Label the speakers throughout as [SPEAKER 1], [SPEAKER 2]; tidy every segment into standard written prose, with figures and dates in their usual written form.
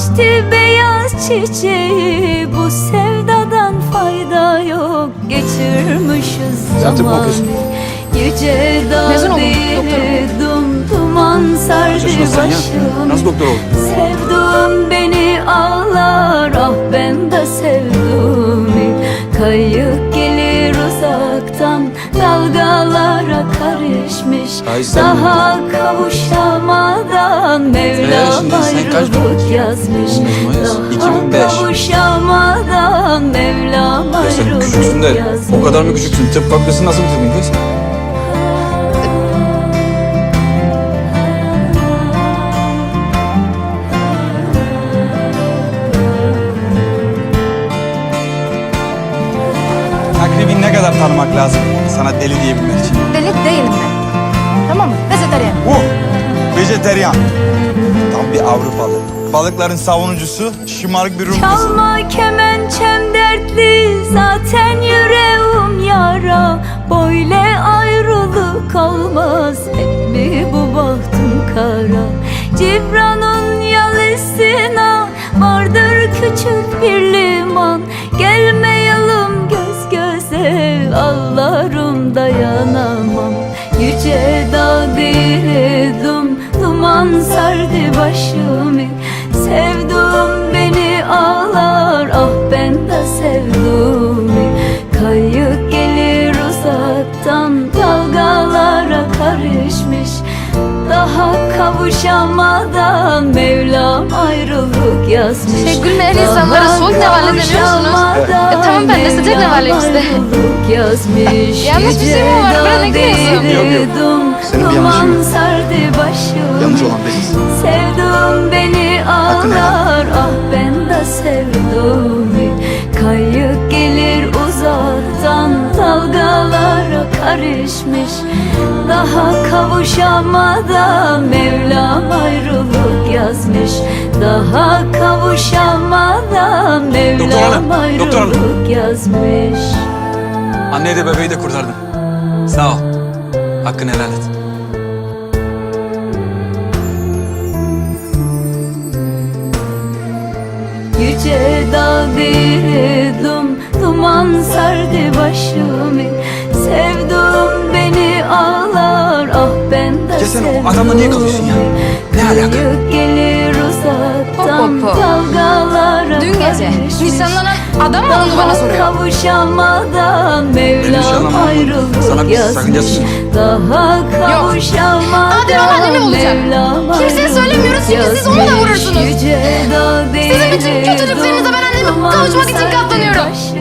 [SPEAKER 1] açtı beyaz çiçeği. Bu sevdadan fayda yok, geçirmişiz
[SPEAKER 2] Sen tıp mı
[SPEAKER 1] zaman.
[SPEAKER 2] okuyorsun?
[SPEAKER 1] Yüce
[SPEAKER 3] Mezun
[SPEAKER 1] dağ
[SPEAKER 3] oldum,
[SPEAKER 1] dum duman sardı
[SPEAKER 2] Yaşasın sen ya.
[SPEAKER 1] başımı.
[SPEAKER 2] Nasıl doktor oldun?
[SPEAKER 1] Sevduğum beni ağlar, ah ben de sevdim. Kayık gelir uzaktan, dalgalara karışmış.
[SPEAKER 2] Ay sen
[SPEAKER 1] Daha kavuşamadan Mevlam
[SPEAKER 2] şimdi sen kaç
[SPEAKER 1] ayrılık yazmış.
[SPEAKER 2] Mayıs,
[SPEAKER 1] Daha
[SPEAKER 2] 2005.
[SPEAKER 1] kavuşamadan Mevlam
[SPEAKER 2] Ya sen küçüksün
[SPEAKER 1] ayrılık
[SPEAKER 2] de
[SPEAKER 1] yazmış.
[SPEAKER 2] o kadar mı küçüksün? Tıp fakültesini nasıl bitirdin kız?
[SPEAKER 4] Takribi ne kadar tanımak lazım sana deli diyebilmek için?
[SPEAKER 3] Deli değilim ben. Tamam mı? Vejetaryen.
[SPEAKER 4] Vejeteryan. Tam bir Avrupalı. Balıkların savunucusu, şımarık bir Rum kızı.
[SPEAKER 1] Çalma kemençem dertli, zaten yüreğim yara. Böyle ayrılık olmaz, hep mi bu bahtım kara? Cibran'ın yalısına vardır küçük bir liman. Gelmeyelim göz göze, ağlarım dayanamam. Yüce dağ diredim, duman sardı başımı. Sevduğum beni ağlar, ah ben de sevdim. Kayık gelir uzaktan, dalgalara karışmış. Daha kavuşamadan Mevlam ayrılık yazmış.
[SPEAKER 3] Gülmeyen insanlara soğuk nevale demiyorsunuz. Tamam, ben de sıcak nevaleyim size.
[SPEAKER 1] Yanlış
[SPEAKER 3] bir şey mi var? Bana ne gülüyorsun?
[SPEAKER 2] Yok. Senin bir yanlışın yok.
[SPEAKER 1] Sardı başım.
[SPEAKER 2] Yanlış olan biziz.
[SPEAKER 1] Sevdum beni
[SPEAKER 2] Hakkını
[SPEAKER 1] ağlar, ah ben de sevdim. Kayık gelir uzaktan, dalgalara karışmış. Daha kavuşamadan Mevlam ayrılık yazmış. Daha kavuşamadan
[SPEAKER 2] Doktor hanım,
[SPEAKER 1] Mevlam
[SPEAKER 2] doktor hanım.
[SPEAKER 1] ayrılık yazmış.
[SPEAKER 2] Anneyi de bebeği de kurtardın. Sağ ol. Hakkını helal et.
[SPEAKER 1] Yüce dağ diredim, duman sardı başımı. Sevduğum beni ağlar, ah ben de
[SPEAKER 2] Ya sen o
[SPEAKER 1] sevdim.
[SPEAKER 2] adamla niye kalıyorsun ya? Ne alaka?
[SPEAKER 1] Kayık gelir uzaktan,
[SPEAKER 3] Hop, hop, hop.
[SPEAKER 1] dalgalara
[SPEAKER 3] Dün gece
[SPEAKER 1] karışmış.
[SPEAKER 3] nişanlanan adam mı olduğunu bana soruyor.
[SPEAKER 1] Kavuşamadan Mevlam
[SPEAKER 2] nişanlamam.
[SPEAKER 1] ayrılık
[SPEAKER 2] Sana bir sakıncası
[SPEAKER 1] yazmış.
[SPEAKER 2] yok.
[SPEAKER 1] Daha kavuşamadan
[SPEAKER 3] Adem anne mi olacak?
[SPEAKER 1] Mevlam
[SPEAKER 3] Kimseye
[SPEAKER 1] ayrılık
[SPEAKER 3] söylemiyoruz çünkü siz onu da
[SPEAKER 1] yazmış.
[SPEAKER 3] vurursunuz.
[SPEAKER 1] Yüce dağ
[SPEAKER 3] Sizin bütün kötülüklerinizle ben anneme kavuşmak için katlanıyorum.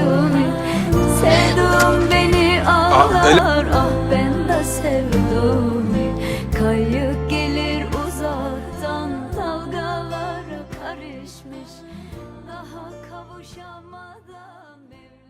[SPEAKER 1] Sevdum beni
[SPEAKER 2] öyle-
[SPEAKER 1] ağlar, ah ben de sevdim. Kayık gelir uzaktan, dalgalara karışmış. Daha kavuşamadan